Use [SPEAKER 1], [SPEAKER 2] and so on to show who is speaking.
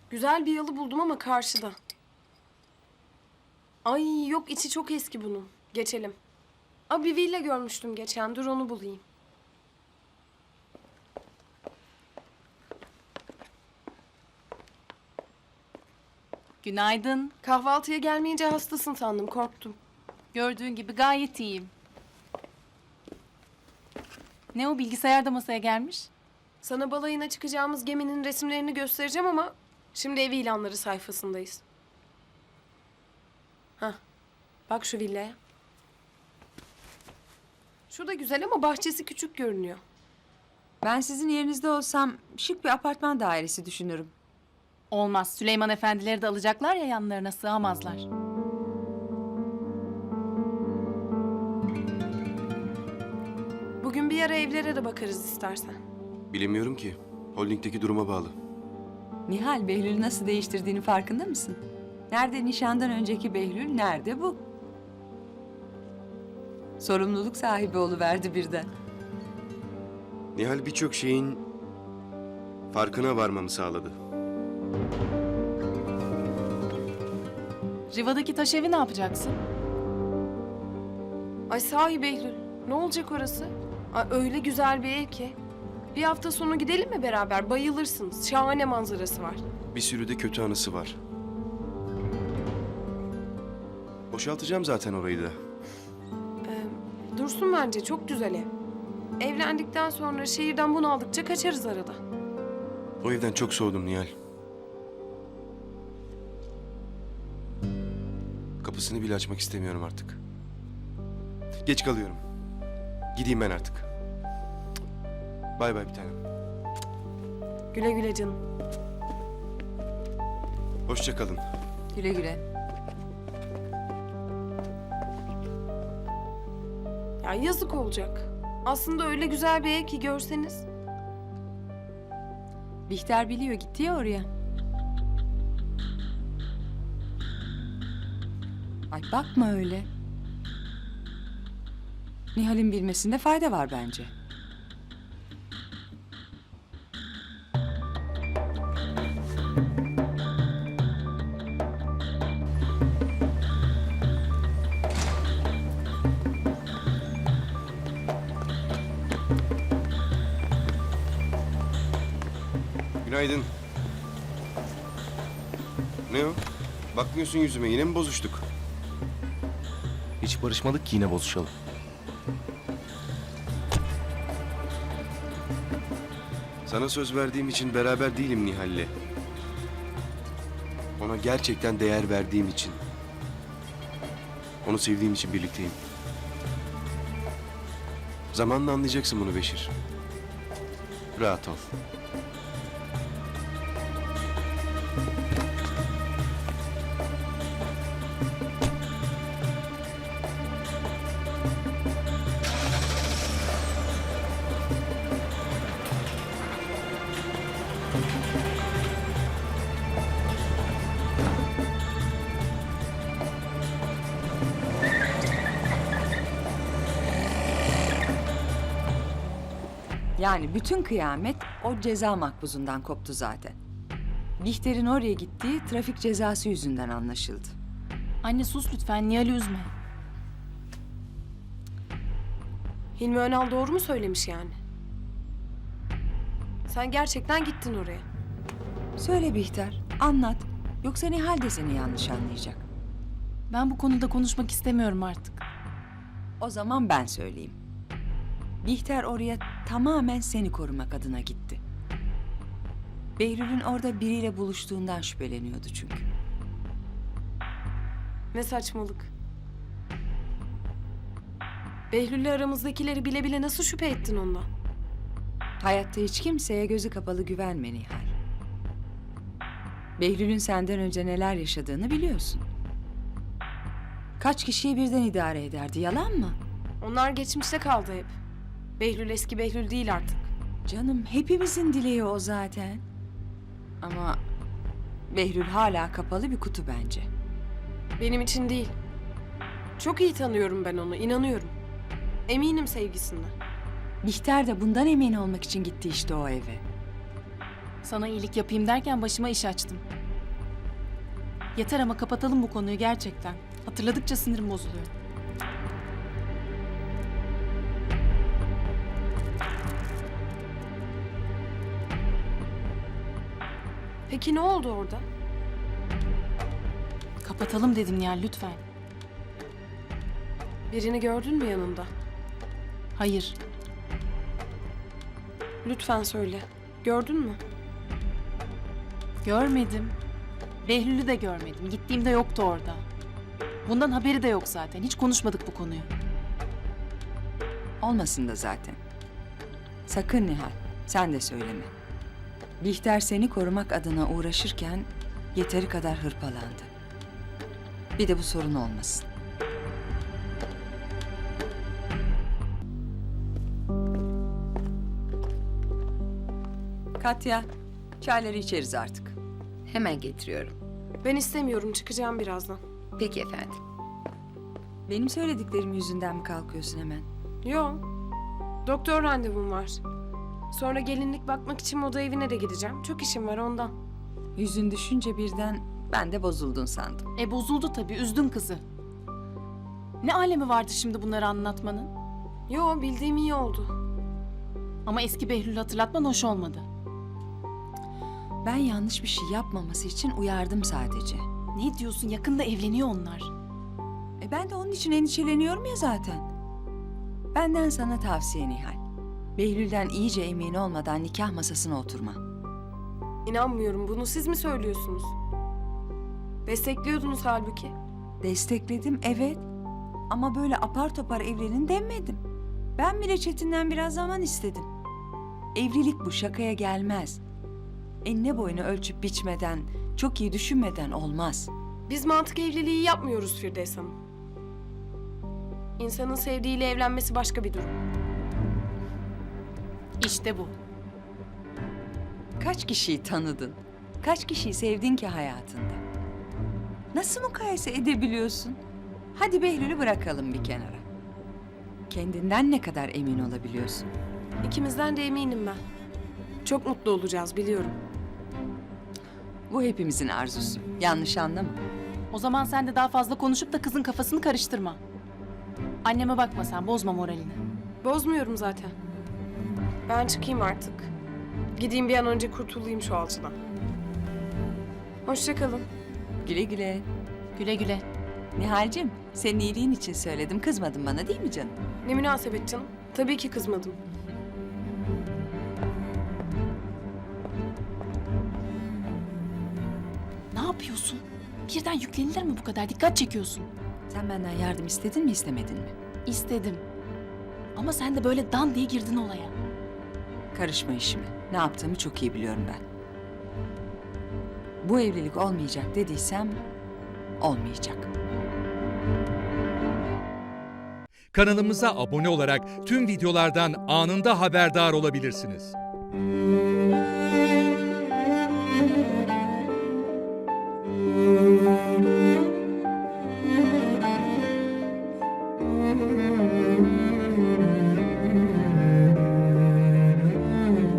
[SPEAKER 1] Güzel bir yalı buldum ama karşıda. Ay yok, içi çok eski bunun. Geçelim. Bir villa görmüştüm geçen. Dur onu bulayım.
[SPEAKER 2] Günaydın.
[SPEAKER 1] Kahvaltıya gelmeyince hastasın sandım, korktum.
[SPEAKER 2] Gördüğün gibi gayet iyiyim. Ne o, bilgisayarda masaya gelmiş?
[SPEAKER 1] Sana balayına çıkacağımız geminin resimlerini göstereceğim ama... Şimdi ev ilanları sayfasındayız. Hah, bak şu villaya. Şu da güzel ama bahçesi küçük görünüyor.
[SPEAKER 3] Ben sizin yerinizde olsam şık bir apartman dairesi düşünürüm.
[SPEAKER 2] Olmaz. Süleyman efendileri de alacaklar ya, yanlarına sığamazlar.
[SPEAKER 1] Bugün bir ara evlere de bakarız istersen.
[SPEAKER 4] Bilemiyorum ki. Holding'deki duruma bağlı.
[SPEAKER 3] Nihal, Behlül'ü nasıl değiştirdiğini farkında mısın? Nerede nişandan önceki Behlül, nerede bu? Sorumluluk sahibi oluverdi birden.
[SPEAKER 4] Nihal birçok şeyin farkına varmamı sağladı.
[SPEAKER 2] Riva'daki taş evi ne yapacaksın?
[SPEAKER 1] Ay sahi Behlül, ne olacak orası? Ay, öyle güzel bir ev ki. Bir hafta sonu gidelim mi beraber? Bayılırsınız. Şahane manzarası var.
[SPEAKER 4] Bir sürü de kötü anısı var. Boşaltacağım zaten orayı da.
[SPEAKER 1] Dursun bence, çok güzel ev. Evlendikten sonra şehirden bunaldıkça kaçarız arada.
[SPEAKER 4] O evden çok soğudum Nihal. Kapısını bile açmak istemiyorum artık. Geç kalıyorum. Gideyim ben artık. Bay bay bir tanem.
[SPEAKER 1] Güle güle canım.
[SPEAKER 4] Hoşça kalın.
[SPEAKER 3] Güle güle.
[SPEAKER 1] Ya yazık olacak. Aslında öyle güzel bir ev ki görseniz.
[SPEAKER 3] Bihter biliyor, gitti ya oraya. Ay bakma öyle. Nihal'in bilmesinde fayda var bence.
[SPEAKER 4] Günaydın. Ne o? Bakmıyorsun yüzüme, yine mi bozuştuk?
[SPEAKER 5] Hiç barışmadık ki yine bozuşalım.
[SPEAKER 4] Sana söz verdiğim için beraber değilim Nihal'le. Ona gerçekten değer verdiğim için. Onu sevdiğim için birlikteyim. Zamanla anlayacaksın bunu Beşir. Rahat ol.
[SPEAKER 3] Yani bütün kıyamet o ceza makbuzundan koptu zaten. Bihter'in oraya gittiği trafik cezası yüzünden anlaşıldı.
[SPEAKER 2] Anne sus lütfen, Nihal'i üzme.
[SPEAKER 1] Hilmi Önal doğru mu söylemiş yani? Sen gerçekten gittin oraya.
[SPEAKER 3] Söyle Bihter, anlat. Yoksa Nihal de seni yanlış anlayacak.
[SPEAKER 2] Ben bu konuda konuşmak istemiyorum artık.
[SPEAKER 3] O zaman ben söyleyeyim. Bihter oraya tamamen seni korumak adına gitti. Behlül'ün orada biriyle buluştuğundan şüpheleniyordu çünkü.
[SPEAKER 1] Ne saçmalık. Behlül'le aramızdakileri bile bile nasıl şüphe ettin ondan?
[SPEAKER 3] Hayatta hiç kimseye gözü kapalı güvenme Nihal. Behlül'ün senden önce neler yaşadığını biliyorsun. Kaç kişiyi birden idare ederdi, yalan mı?
[SPEAKER 1] Onlar geçmişte kaldı hep. Behlül eski Behlül değil artık.
[SPEAKER 3] Canım, hepimizin dileği o zaten. Ama Behlül hala kapalı bir kutu bence.
[SPEAKER 1] Benim için değil. Çok iyi tanıyorum ben onu, inanıyorum. Eminim sevgisinden.
[SPEAKER 3] Bihter de bundan emin olmak için gitti işte o eve.
[SPEAKER 2] Sana iyilik yapayım derken başıma iş açtım. Yeter ama kapatalım bu konuyu gerçekten. Hatırladıkça sinirim bozuluyor.
[SPEAKER 1] Peki ne oldu orada?
[SPEAKER 2] Kapatalım dedim Nihal lütfen.
[SPEAKER 1] Birini gördün mü yanında?
[SPEAKER 2] Hayır.
[SPEAKER 1] Lütfen söyle. Gördün mü?
[SPEAKER 2] Görmedim. Behlül'ü de görmedim. Gittiğimde yoktu orada. Bundan haberi de yok zaten. Hiç konuşmadık bu konuyu.
[SPEAKER 3] Olmasın da zaten. Sakın Nihal, sen de söyleme. Bihter seni korumak adına uğraşırken yeteri kadar hırpalandı. Bir de bu sorun olmasın. Katya, çayları içeriz artık.
[SPEAKER 6] Hemen getiriyorum.
[SPEAKER 1] Ben istemiyorum. Çıkacağım birazdan.
[SPEAKER 6] Peki efendim.
[SPEAKER 3] Benim söylediklerim yüzünden mi kalkıyorsun hemen?
[SPEAKER 1] Yo. Doktor randevum var. Sonra gelinlik bakmak için moda evine de gideceğim. Çok işim var ondan.
[SPEAKER 3] Yüzün düşünce birden ben de bozuldun sandım.
[SPEAKER 2] Bozuldu tabii. Üzdün kızı. Ne alemi vardı şimdi bunları anlatmanın?
[SPEAKER 1] Yo, bildiğim iyi oldu.
[SPEAKER 2] Ama eski Behlül'ü hatırlatman hoş olmadı.
[SPEAKER 3] Ben yanlış bir şey yapmaması için uyardım sadece.
[SPEAKER 2] Ne diyorsun? Yakında evleniyor onlar.
[SPEAKER 3] Ben de onun için endişeleniyorum ya zaten. Benden sana tavsiye Nihal. Behlül'den iyice emin olmadan nikah masasına oturma.
[SPEAKER 1] İnanmıyorum. Bunu siz mi söylüyorsunuz? Destekliyordunuz halbuki.
[SPEAKER 3] Destekledim evet. Ama böyle apar topar evlenin demedim. Ben bile Çetin'den biraz zaman istedim. Evlilik bu, şakaya gelmez. Enine boyunu ölçüp biçmeden, çok iyi düşünmeden olmaz.
[SPEAKER 1] Biz mantık evliliği yapmıyoruz Firdevs Hanım. İnsanın sevdiğiyle evlenmesi başka bir durum.
[SPEAKER 2] İşte bu.
[SPEAKER 3] Kaç kişiyi tanıdın? Kaç kişiyi sevdin ki hayatında? Nasıl mukayese edebiliyorsun? Hadi Behlül'ü bırakalım bir kenara. Kendinden ne kadar emin olabiliyorsun?
[SPEAKER 1] İkimizden de eminim ben. Çok mutlu olacağız biliyorum.
[SPEAKER 3] Bu hepimizin arzusu. Yanlış anlama.
[SPEAKER 2] O zaman sen de daha fazla konuşup da kızın kafasını karıştırma. Anneme bakma sen, bozma moralini.
[SPEAKER 1] Bozmuyorum zaten. Ben çıkayım artık. Gideyim bir an önce kurtulayım şu alçıdan. Hoşça kalın.
[SPEAKER 3] Güle güle.
[SPEAKER 2] Güle güle.
[SPEAKER 3] Nihal'cim, senin iyiliğin için söyledim. Kızmadın bana değil mi canım?
[SPEAKER 1] Ne münasebet canım. Tabii ki kızmadım.
[SPEAKER 2] Ne yapıyorsun? Birden yüklenilir mi bu kadar? Dikkat çekiyorsun.
[SPEAKER 3] Sen benden yardım istedin mi istemedin mi?
[SPEAKER 2] İstedim. Ama sen de böyle dan diye girdin olaya.
[SPEAKER 3] Karışma işime. Ne yaptığımı çok iyi biliyorum ben. Bu evlilik olmayacak dediysem olmayacak.
[SPEAKER 7] Kanalımıza abone olarak tüm videolardan anında haberdar olabilirsiniz.